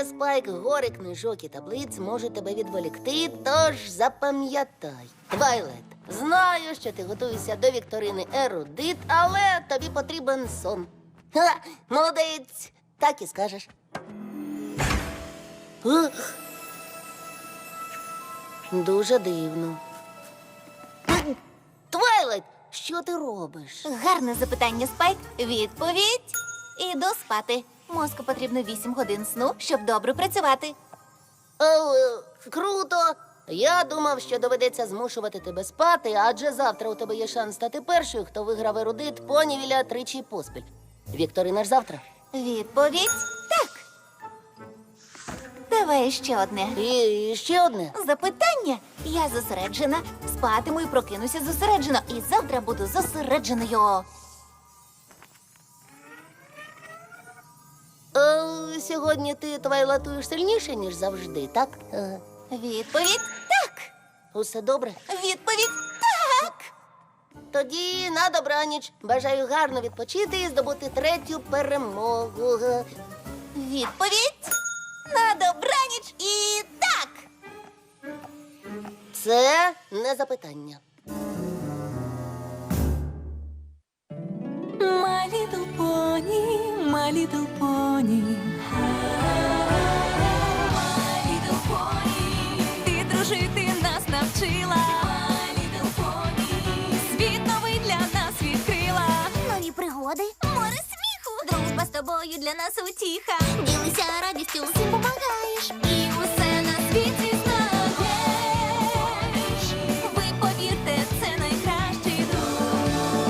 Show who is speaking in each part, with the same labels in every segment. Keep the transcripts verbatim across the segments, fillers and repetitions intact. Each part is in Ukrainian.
Speaker 1: тебе, Спайк, гори книжок і таблиць можуть тебе відволікти, тож запам'ятай. Твайлайт, знаю, що ти готуєшся до вікторини ерудит, але тобі потрібен сон. Ха, молодець, так і скажеш. Ух. Дуже дивно. Твайлайт, що ти робиш?
Speaker 2: Гарне запитання, Спайк. Відповідь. Іду спати. Мозку потрібно вісім годин сну, щоб добре працювати.
Speaker 1: О, е, круто! Я думав, що доведеться змушувати тебе спати, адже завтра у тебе є шанс стати першою, хто виграв ерудит понівіля тричі поспіль. Вікторина ж завтра.
Speaker 2: Відповідь так. Давай ще одне.
Speaker 1: І ще одне.
Speaker 2: Запитання. Я зосереджена. Спатиму і прокинуся зосереджено. І завтра буду зосередженою.
Speaker 1: Е, сьогодні ти твайлатуєш сильніше, ніж завжди, так? Е,
Speaker 2: Відповідь так.
Speaker 1: усе добре?
Speaker 2: Відповідь так.
Speaker 1: Тоді на добраніч. Бажаю гарно відпочити і здобути третю перемогу. Е,
Speaker 2: Відповідь на добраніч і так.
Speaker 1: Це не запитання.
Speaker 3: My little pony, my little pony. My little pony. Ти дружити нас навчила. My little pony. Світ новий для нас відкрила.
Speaker 2: Нові пригоди, море сміху. Дружба з тобою для нас утіха. Ділися радістю, всім помагаєш.
Speaker 3: І усе на світі знаєш. Ви повірте, це найкращий друг.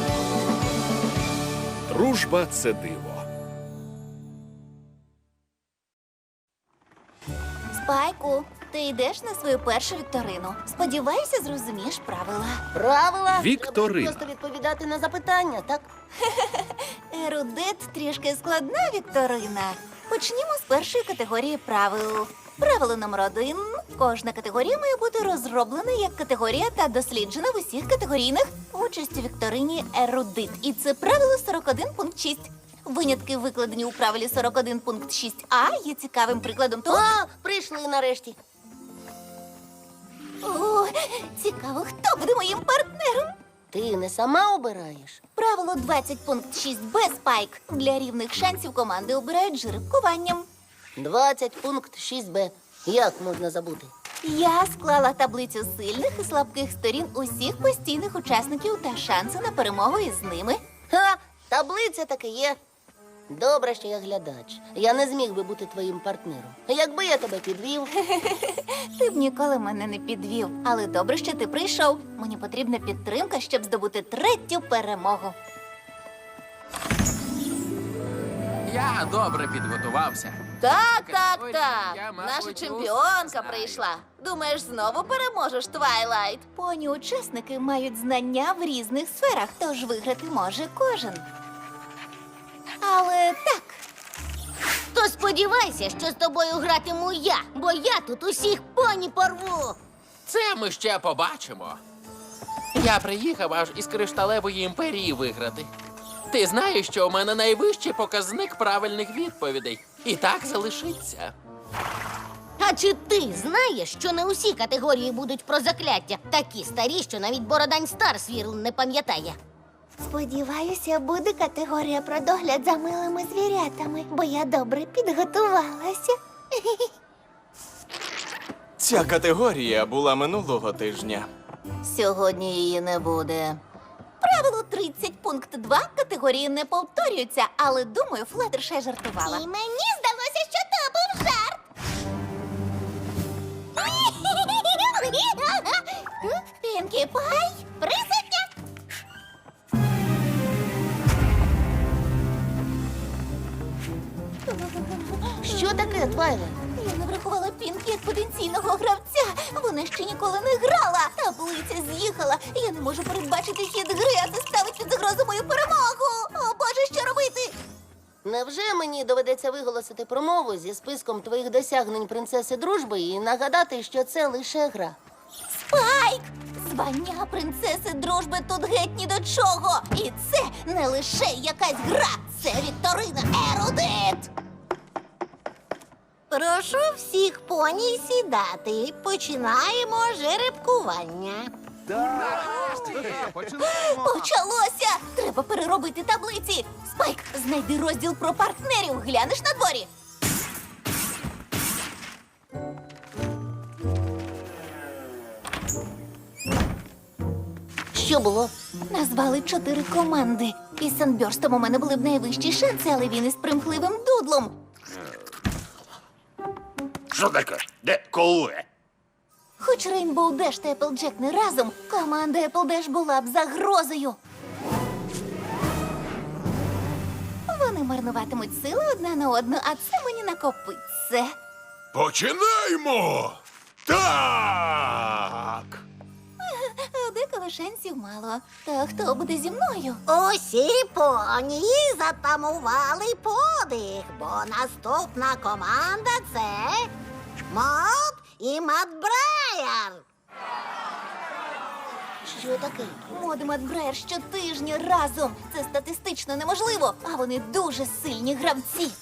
Speaker 4: Дружба – це диво.
Speaker 2: Спайку, ти йдеш на свою першу вікторину. Сподіваюся, зрозумієш правила.
Speaker 1: Правила?
Speaker 4: Вікторина.
Speaker 1: Треба просто відповідати на запитання, так?
Speaker 2: Ерудит трішки складна вікторина. Почнімо з першої категорії правил. Правило номер один. Кожна категорія має бути розроблена як категорія та досліджена в усіх категорійних участь у вікторині ерудит. І це правило сорок один пункт шість. Винятки, викладені у правилі сорок один пункт шість а, є цікавим прикладом того.
Speaker 1: О, прийшли нарешті.
Speaker 2: О, цікаво, хто буде моїм партнером?
Speaker 1: Ти не сама обираєш?
Speaker 2: Правило двадцять пункт шість б, Спайк. Для рівних шансів команди обирають жеребкуванням.
Speaker 1: двадцять пункт шість б. Як можна забути?
Speaker 2: Я склала таблицю сильних і слабких сторін усіх постійних учасників та шанси на перемогу із ними.
Speaker 1: Ха, таблиця таки є. Добре, що я глядач. Я не зміг би бути твоїм партнером. Якби я тебе підвів.
Speaker 2: Ти б ніколи мене не підвів, але добре, що ти прийшов. Мені потрібна підтримка, щоб здобути третю перемогу.
Speaker 5: Я добре підготувався.
Speaker 6: Так, так,
Speaker 5: Ой,
Speaker 6: так.
Speaker 5: я, мабуть,
Speaker 6: Наша
Speaker 5: усе
Speaker 6: чемпіонка
Speaker 5: знаю.
Speaker 6: прийшла. Думаєш, знову переможеш, Твайлайт?
Speaker 2: Поні учасники мають знання в різних сферах, тож виграти може кожен. Але так,
Speaker 6: То сподівайся, що з тобою гратиму я, бо я тут усіх поні порву.
Speaker 5: Це ми ще побачимо. Я приїхав аж із кришталевої імперії виграти. Ти знаєш, що у мене найвищий показник правильних відповідей. І так залишиться.
Speaker 6: А чи ти знаєш, що не усі категорії будуть про закляття? Такі старі, що навіть Бородань Старсвірл не пам'ятає.
Speaker 2: сподіваюся, буде категорія про догляд за милими звірятами, бо я добре підготувалася.
Speaker 7: Ця категорія була минулого тижня.
Speaker 2: Сьогодні її не буде. Правило тридцять пункт два категорії не повторюються, але думаю, Флаттершай жартувала.
Speaker 6: І мені здалося, що то був жарт.
Speaker 2: Пінкі Пай,
Speaker 6: Присутня.
Speaker 1: Що таке, Твайлайт?
Speaker 2: я не врахувала Пінкі як потенційного гравця. Вона ще ніколи не грала. Таблиця з'їхала. Я не можу передбачити хід гри, а це ставить під загрозу мою перемогу. О, Боже, що робити?
Speaker 1: Невже мені доведеться виголосити промову зі списком твоїх досягнень принцеси дружби і нагадати, що це лише гра?
Speaker 2: Спайк! Звання принцеси дружби тут геть ні до чого. І це не лише якась гра, це вікторина ерудит. Прошу
Speaker 8: Прошу всіх поні сідати. Починаємо жеребкування.
Speaker 2: Почалося! Треба переробити таблиці. Спайк, знайди розділ про партнерів. Глянеш на дворі.
Speaker 1: Що було?
Speaker 2: Назвали чотири команди. Із Санберстом у мене були б найвищі шанси, але він із примхливим дудлом.
Speaker 9: Що таке? Де коли?
Speaker 2: Хоч Рейнбоу Деш та Еплджек не разом, команда Еплдеш була б загрозою. Вони марнуватимуть сили одна на одну, а це мені накопиться.
Speaker 9: Починаємо! Так!
Speaker 2: Деколи шансів мало. Та хто буде зі мною?
Speaker 8: Усі поні затамували подих, бо наступна команда це Мод і Мат Брайер.
Speaker 1: Що таке?
Speaker 2: Мод і Мат Брайер щотижня разом. Це статистично неможливо, а вони дуже сильні гравці.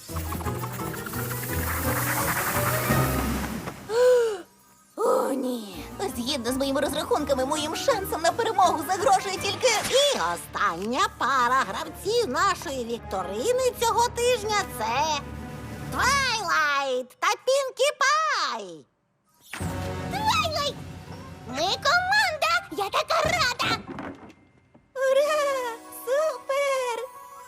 Speaker 2: О, ні. Згідно з моїми розрахунками, моїм шансом на перемогу загрожує тільки...
Speaker 8: І остання пара гравців нашої вікторини цього тижня це Твайлайт та Пінкі Пай.
Speaker 6: Твайлайт! Ми команда! Я така рада!
Speaker 2: Ура! Супер!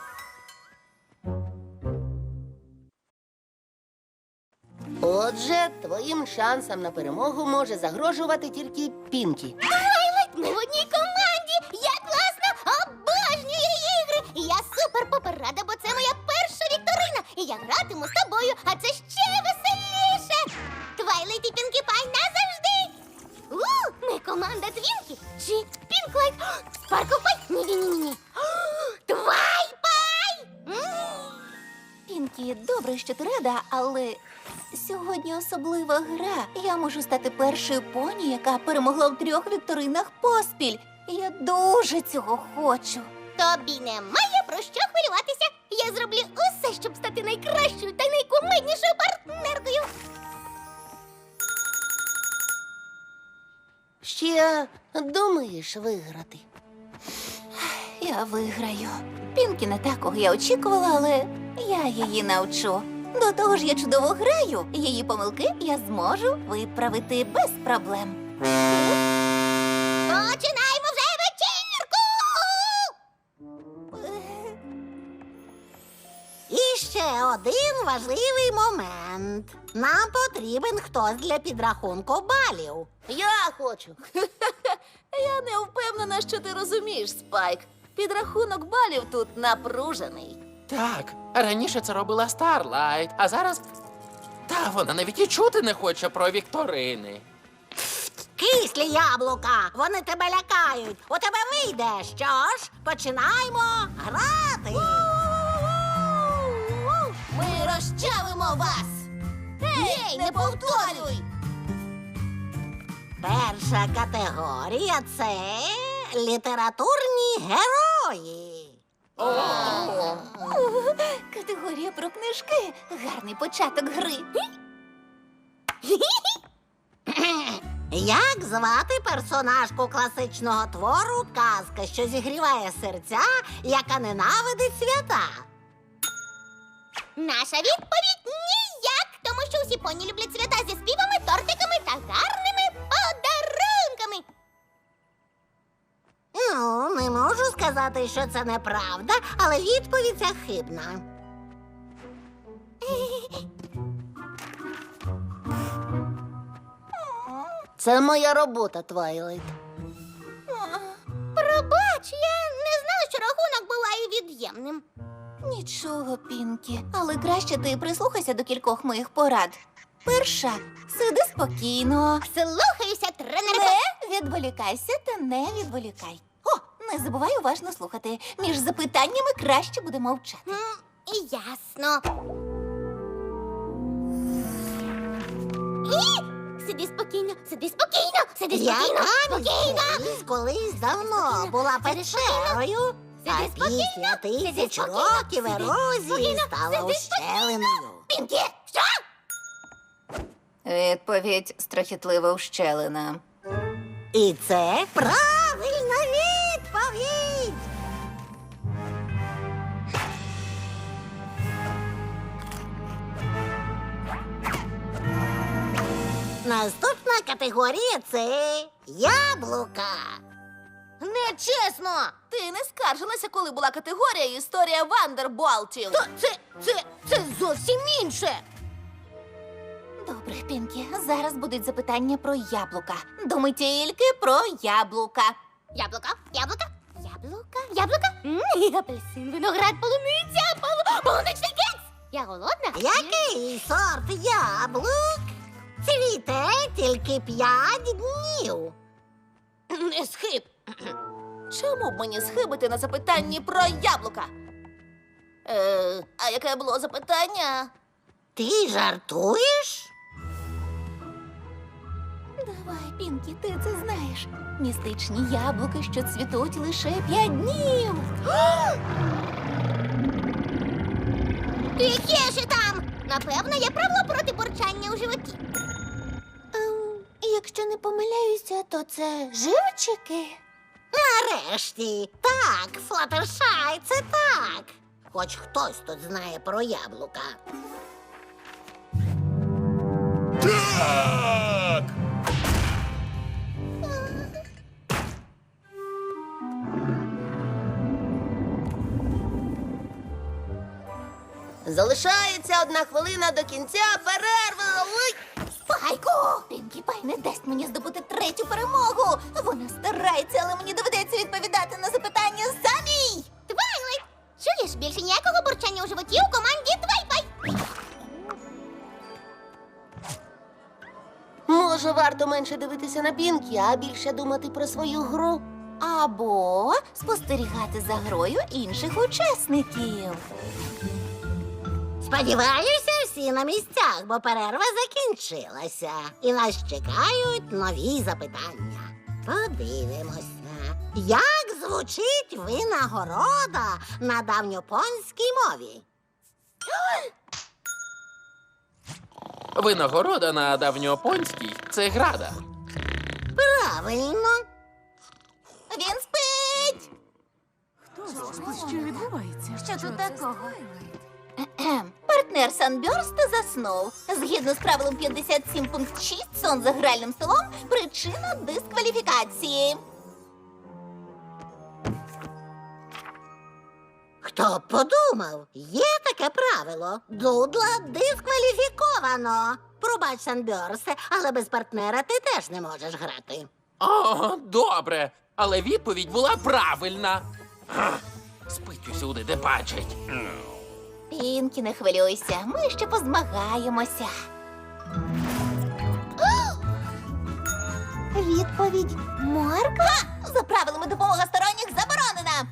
Speaker 1: Отже, твоїм шансам на перемогу може загрожувати тільки Пінкі.
Speaker 6: Твайлайт! Ми в одній команді! Я класно обожнюю ігри! І я супер-пупер рада, бо це моя перша вікторина! І я гратиму з тобою, а це ще веселіше! Твайлайт і Пінкі Пай назавжди! У, ми команда Твінкі чи Пінклайт? Спаркл Пай? Ні-ні-ні-ні! Твай-пай!
Speaker 2: Пінкі, добре, що ти рада, але сьогодні особлива гра. Я можу стати першою поні, яка перемогла в трьох вікторинах поспіль. Я дуже цього хочу.
Speaker 6: Тобі немає про що хвилюватися. Я зроблю усе, щоб стати найкращою та найкумеднішою партнеркою.
Speaker 1: Ще думаєш виграти?
Speaker 2: Я виграю. Пінкі не та, кого я очікувала, але я її навчу. До того ж, я чудово граю. Її помилки я зможу виправити без проблем.
Speaker 6: Починаємо вже вечірку!
Speaker 8: І ще один важливий момент. Нам потрібен хтось для підрахунку балів.
Speaker 1: Я хочу.
Speaker 2: Я не впевнена, що ти розумієш, Спайк. Підрахунок балів тут напружений.
Speaker 5: Так, раніше це робила Старлайт, а зараз. Та вона навіть і чути не хоче про вікторини.
Speaker 8: Кислі яблука, вони тебе лякають. У тебе вийде. Що ж, починаємо грати.
Speaker 6: Ми розчавимо вас! Гей, не повторюй!
Speaker 8: Перша категорія це літературні герої.
Speaker 2: Категорія про книжки. Гарний початок гри.
Speaker 8: Як звати персонажку класичного твору казка, що зігріває серця, яка ненавидить свята?
Speaker 6: Наша відповідь ніяк, тому що усі поні люблять свята зі співами, тортиками та гарними подарунками.
Speaker 8: Ну, не можу сказати, що це неправда, але відповідь ця хибна.
Speaker 1: Це моя робота, Твайлайт.
Speaker 6: Пробач, я не знала, що рахунок буває від'ємним.
Speaker 2: Нічого, Пінкі, але краще ти прислухайся до кількох моїх порад. Перша, сиди спокійно.
Speaker 6: Слухаюся, тренерко.
Speaker 2: Не відволікайся та не відволікай. О, не забувай уважно слухати. Між запитаннями краще буде мовчати.
Speaker 6: М, Ясно. І сиди спокійно, сиди спокійно, сиди спокійно, спокійно.
Speaker 8: Колись, колись давно була печерою, а
Speaker 6: Сиди спокійно,
Speaker 8: після
Speaker 6: сиди
Speaker 8: тисяч
Speaker 6: спокійно,
Speaker 8: років
Speaker 6: сиди
Speaker 8: ерозії
Speaker 6: спокійно,
Speaker 8: стала
Speaker 6: сиди
Speaker 8: ущелиною.
Speaker 6: Пінкі, що?
Speaker 2: Відповідь страхітлива ущелина.
Speaker 8: І це правильна відповідь. Наступна категорія – це яблука.
Speaker 2: Нечесно! Ти не скаржилася, коли була категорія «Історія Вандерболтів».
Speaker 6: То це, це, це зовсім інше.
Speaker 2: Добре, Пінкі, зараз будуть запитання про яблука. Думай тільки про яблука.
Speaker 6: Яблука, яблука, яблука, яблука. М, апельсин, виноград, полуниця, полу... полуничний кекс. Я голодна?
Speaker 8: Який сорт яблук цвіте тільки п'ять днів?
Speaker 6: Не схиб.
Speaker 2: Чому б мені схибити на запитанні про яблука? Е, а яке було запитання?
Speaker 8: Ти жартуєш?
Speaker 2: Давай, Пінкі, ти це знаєш. Містичні яблуки, що цвітуть лише п'ять днів.
Speaker 6: Яке ж там? Напевно, є правило проти бурчання у животі.
Speaker 2: Ем, якщо не помиляюся, то це живчики.
Speaker 8: Нарешті. Так, Флаттершай, це так. Хоч хтось тут знає про яблука.
Speaker 9: Так!
Speaker 1: Залишається одна хвилина до кінця перерви. Ой!
Speaker 2: Спайку! Пінкі Пай не дасть мені здобути третю перемогу. Вона старається, але мені доведеться відповідати на запитання самій.
Speaker 6: Твайлайт! Чуєш, більше ніякого бурчання у животі у команді Твайпай.
Speaker 1: Може, варто менше дивитися на Пінкі, а більше думати про свою гру.
Speaker 2: Або спостерігати за грою інших учасників.
Speaker 8: Сподіваюся, всі на місцях, бо перерва закінчилася. І нас чекають нові запитання. Подивимося, як звучить винагорода на давньопонській мові?
Speaker 5: Винагорода на давньопонській – це града.
Speaker 8: Правильно.
Speaker 2: Він спить! Що відбувається? Що тут такого? Кхе-кхем. Партнер Санбьорста заснув. Згідно з правилом п'ятдесят сім пункт шість, сон за гральним столом – причина дискваліфікації.
Speaker 8: Хто б подумав, є таке правило. Дудла дискваліфіковано. Пробач, Санбьорсе, але без партнера ти теж не можеш грати.
Speaker 5: О, добре. Але відповідь була правильна. Ах, спить усюди, де бачить.
Speaker 2: Пінкі, не хвилюйся, ми ще позмагаємося. Відповідь морква? За правилами допомога сторонніх заборонена.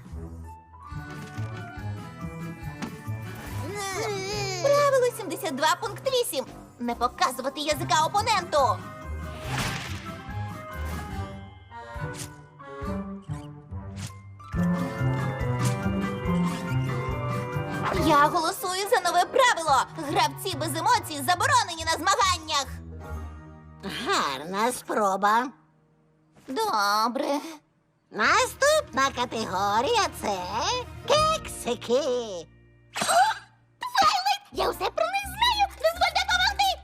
Speaker 2: Правило сімдесят два пункт вісім. Не показувати язика опоненту. Я голосую за нове правило. Гравці без емоцій заборонені на змаганнях.
Speaker 8: Гарна спроба.
Speaker 2: Добре.
Speaker 8: Наступна категорія – це кексики.
Speaker 6: Я усе про них знаю. Дозвольте допомогти.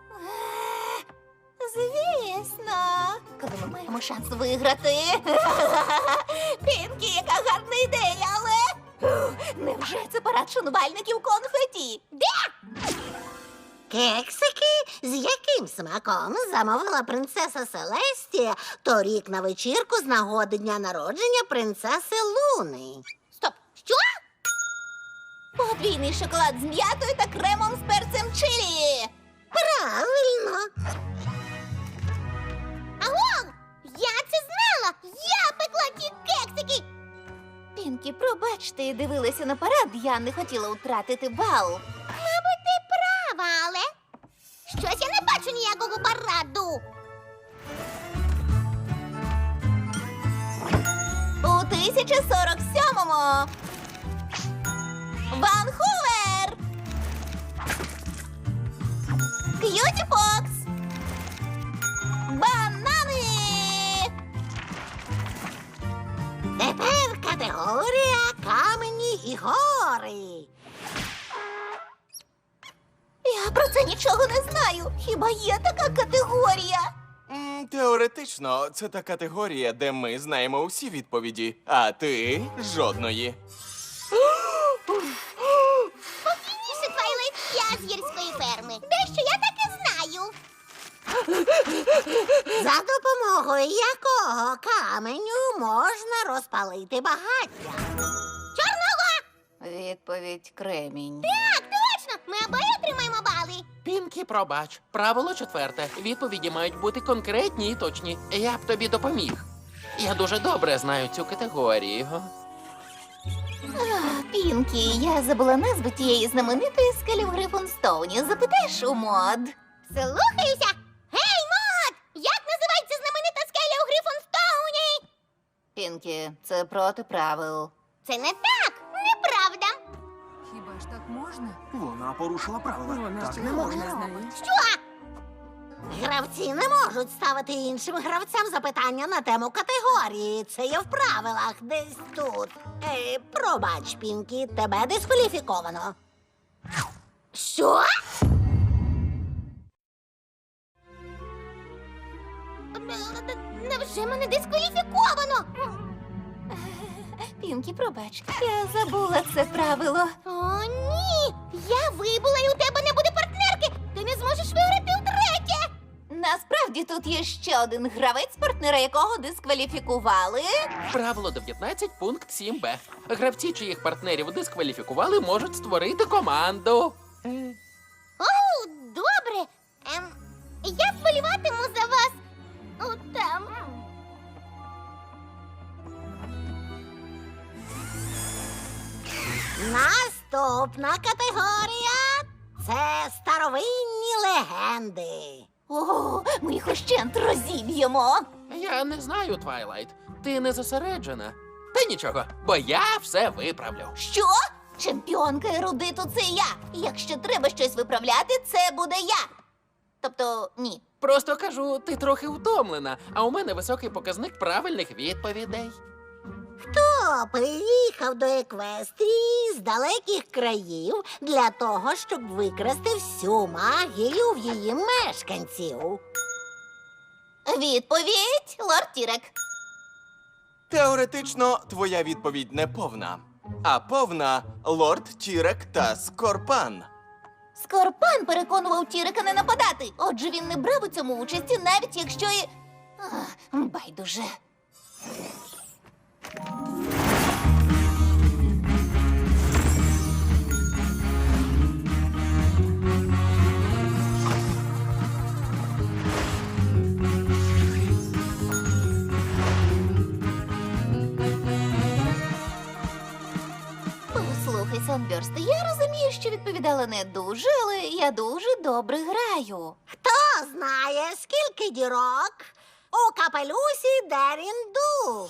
Speaker 2: Звісно. Коли ми маємо шанс виграти. Пінкі, яка гарна ідея, але... Невже це парад шанувальників конфеті? Де?
Speaker 8: Кексики, з яким смаком замовила принцеса Селестія торік на вечірку з нагоди дня народження принцеси Луни.
Speaker 6: Стоп, що?
Speaker 2: Подвійний шоколад з м'ятою та кремом з перцем чилі.
Speaker 8: Правильно.
Speaker 6: Агов! Я це знала! Я пекла ті кексики!
Speaker 2: Пінкі, пробачте, дивилася на парад, я не хотіла втратити бал.
Speaker 6: Мабуть, ти права, але щось я не бачу ніякого параду.
Speaker 2: У тисяча сорок сьомому Ванкувер! К'юті Фокс!
Speaker 8: категорії.
Speaker 2: Я про це нічого не знаю. Хіба є така категорія?
Speaker 7: М, Теоретично, це та категорія, де ми знаємо усі відповіді, а ти жодної.
Speaker 6: Спокійніше, Твайлайт, я з гірської ферми. Дещо я таки знаю.
Speaker 8: За допомогою якого каменю можна розпалити багаття?
Speaker 6: Чорного!
Speaker 2: Відповідь кремінь.
Speaker 6: Так, точно! Ми обоє отримаємо бали.
Speaker 5: Пінкі, пробач. Правило четверте. Відповіді мають бути конкретні і точні. Я б тобі допоміг. Я дуже добре знаю цю категорію.
Speaker 2: Пінкі, я забула назву тієї знаменитої скелі в Грифонстоуні. Запитаєш у Мод?
Speaker 6: Слухаюся! Гей, Мод! Як називається знаменита скеля у Грифонстоуні?
Speaker 2: Пінкі, це проти правил.
Speaker 6: Це не так! Неправда!
Speaker 3: Хіба ж так можна?
Speaker 10: Вона порушила правила.
Speaker 3: Вона
Speaker 10: так
Speaker 3: ще
Speaker 10: не
Speaker 3: не
Speaker 10: можна.
Speaker 3: знає.
Speaker 6: Що?
Speaker 8: Гравці не можуть ставити іншим гравцям запитання на тему категорії. Це є в правилах десь тут. Е, пробач, Пінкі, тебе дискваліфіковано.
Speaker 6: Що? Невже мене дискваліфіковано?
Speaker 2: Пінкі, пробач, я забула це правило.
Speaker 6: О, ні! Я вибула і у тебе не буде партнерки! Ти не зможеш виграти втретє!
Speaker 2: Насправді тут є ще один гравець, партнера якого дискваліфікували.
Speaker 5: Правило дев'ятнадцять, пункт сім бе. Гравці, чиїх партнерів дискваліфікували, можуть створити команду.
Speaker 6: О, добре! Ем, я вболіватиму за вас. О, там.
Speaker 8: Наступна категорія це старовинні легенди.
Speaker 2: О, ми їх ущент розіб'ємо.
Speaker 5: Я не знаю, Твайлайт. Ти не зосереджена. Та нічого, бо я все виправлю.
Speaker 2: Що? Чемпіонка ерудиту це я. Якщо треба щось виправляти, це буде я. Тобто, ні.
Speaker 5: Просто кажу, ти трохи втомлена, а у мене високий показник правильних відповідей.
Speaker 8: Хто приїхав до Еквестрії з далеких країв для того, щоб викрасти всю магію в її мешканців?
Speaker 2: Відповідь, лорд Тірек.
Speaker 7: Теоретично, твоя відповідь не повна. А повна лорд Тірек та Скорпан.
Speaker 2: Скорпан переконував Тірека не нападати. Отже, він не брав у цьому участі, навіть якщо і... Ах, байдуже. Послухай, Санберсте, я розумію, що відповідала не дуже, але я дуже добре граю.
Speaker 8: Хто знає, скільки дірок у капелюсі Дерінду?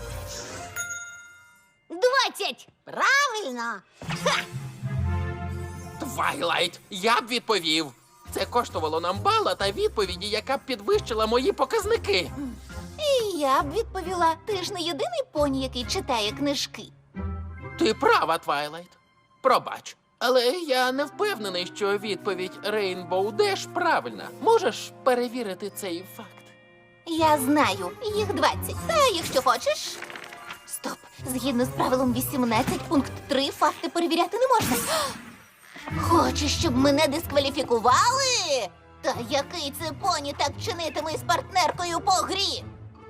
Speaker 6: Двадцять!
Speaker 8: Правильно.
Speaker 5: Твайлайт, я б відповів. Це коштувало нам бала та відповіді, яка б підвищила мої показники.
Speaker 2: І я б відповіла, ти ж не єдиний поні, який читає книжки.
Speaker 5: Ти права, Твайлайт. Пробач. Але я не впевнений, що відповідь Рейнбоу Деш правильна. Можеш перевірити цей факт?
Speaker 2: Я знаю, їх двадцять. Та якщо хочеш. Стоп. Згідно з правилом вісімнадцять, пункт три, факти перевіряти не можна. Хочеш, щоб мене дискваліфікували? Та який це поні так чинитиме з партнеркою по грі?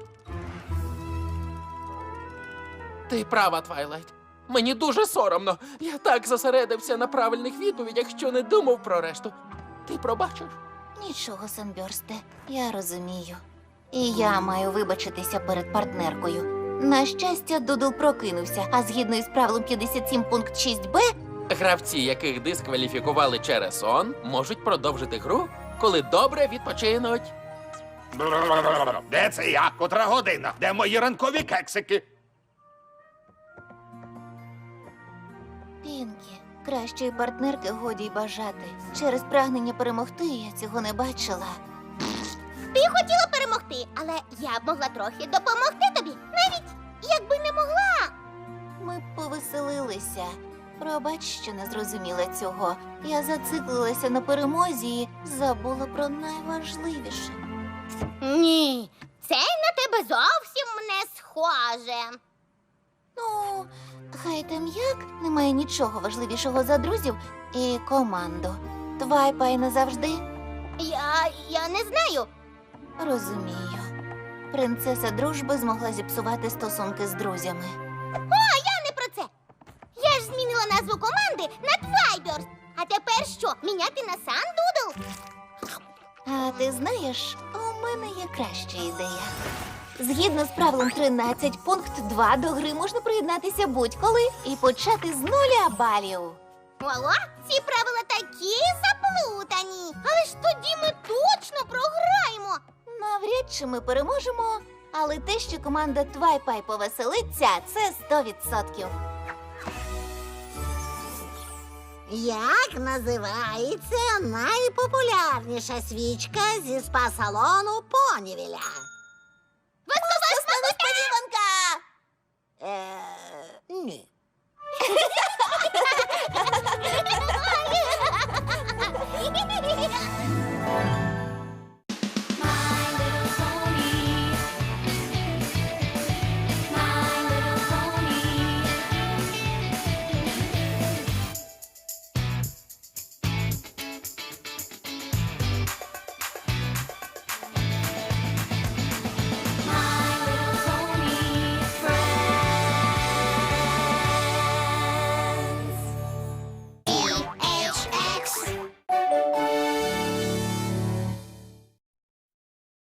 Speaker 5: Ти права, Твайлайт. Мені дуже соромно. Я так зосередився на правильних відповідях, що не думав про решту. Ти пробачиш?
Speaker 2: Нічого, Санберсте, я розумію. І я маю вибачитися перед партнеркою. На щастя, Дудл прокинувся, а згідно із правилом п'ятдесят сім пункт шість бе,
Speaker 5: Гравці, яких дискваліфікували через сон, можуть продовжити гру, коли добре відпочинуть.
Speaker 9: Де це я? Котра година? Де мої ранкові кексики?
Speaker 2: Пінкі, кращої партнерки годі й бажати. Через прагнення перемогти я цього не бачила.
Speaker 6: Ти хотіла перемогти, але я б могла трохи допомогти тобі, навіть якби не могла.
Speaker 2: Ми повеселилися. Пробач, що не зрозуміла цього. Я зациклилася на перемозі і забула про найважливіше.
Speaker 6: Ні, це на тебе зовсім не схоже.
Speaker 2: Ну, хай там як, немає нічого важливішого за друзів і команду. Твайпай назавжди.
Speaker 6: Я, я не знаю.
Speaker 2: Розумію. Принцеса дружби змогла зіпсувати стосунки з друзями.
Speaker 6: О, я не про це. Я ж змінила назву команди на Твайберс. А тепер що, міняти на Сандудл?
Speaker 2: А ти знаєш, у мене є краща ідея. Згідно з правилом тринадцять, пункт два до гри можна приєднатися будь-коли і почати з нуля балів.
Speaker 6: Ого, ці правила такі заплутані. Але ж тоді ми точно програємо.
Speaker 2: Навряд чи ми переможемо, але те, що команда Твайпай повеселиться, це сто відсотків.
Speaker 8: Як називається найпопулярніша свічка зі спа-салону Понівіля?